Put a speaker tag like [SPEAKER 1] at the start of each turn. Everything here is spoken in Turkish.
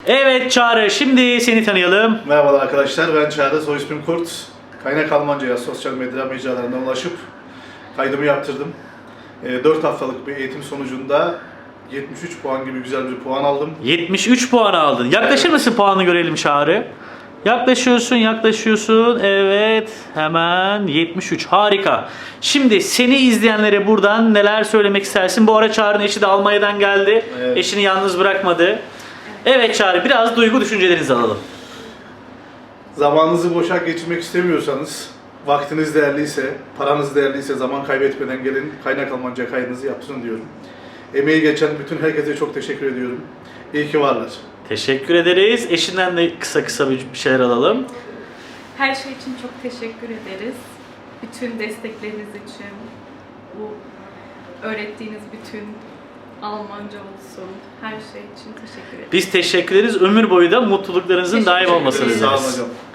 [SPEAKER 1] Evet Çağrı, şimdi seni tanıyalım.
[SPEAKER 2] Merhabalar arkadaşlar, ben Çağrı, soy ismim Kurt. Kaynak Almanca'ya sosyal medya mecralarından ulaşıp kaydımı yaptırdım. 4 haftalık bir eğitim sonucunda 73 puan gibi güzel bir puan aldım.
[SPEAKER 1] 73 puan aldın. Yaklaşır mısın, puanı görelim Çağrı? Yaklaşıyorsun. Evet, hemen 73. Harika. Şimdi seni izleyenlere buradan neler söylemek istersin? Bu ara Çağrı'nın eşi de Almanya'dan geldi.
[SPEAKER 2] Evet.
[SPEAKER 1] Eşini yalnız bırakmadı. Evet Çağrı, biraz duygu düşüncelerinizi alalım.
[SPEAKER 2] Zamanınızı boşa geçirmek istemiyorsanız, vaktiniz değerliyse, paranız değerliyse zaman kaybetmeden gelin Kaynak Almanca kaydınızı yaptırın diyorum. Emeği geçen bütün herkese çok teşekkür ediyorum. İyi ki varlar.
[SPEAKER 1] Teşekkür ederiz. Eşinden de kısa bir şeyler alalım.
[SPEAKER 3] Her şey için çok teşekkür ederiz. Bütün destekleriniz için, bu öğrettiğiniz bütün Almanca olsun, her şey için teşekkür ederiz.
[SPEAKER 1] Biz teşekkür ederiz. Ömür boyu da mutluluklarınızın
[SPEAKER 3] Teşekkür
[SPEAKER 1] daim olmasını
[SPEAKER 3] ederiz.
[SPEAKER 2] Sağ olun
[SPEAKER 1] dileriz.
[SPEAKER 2] hocam.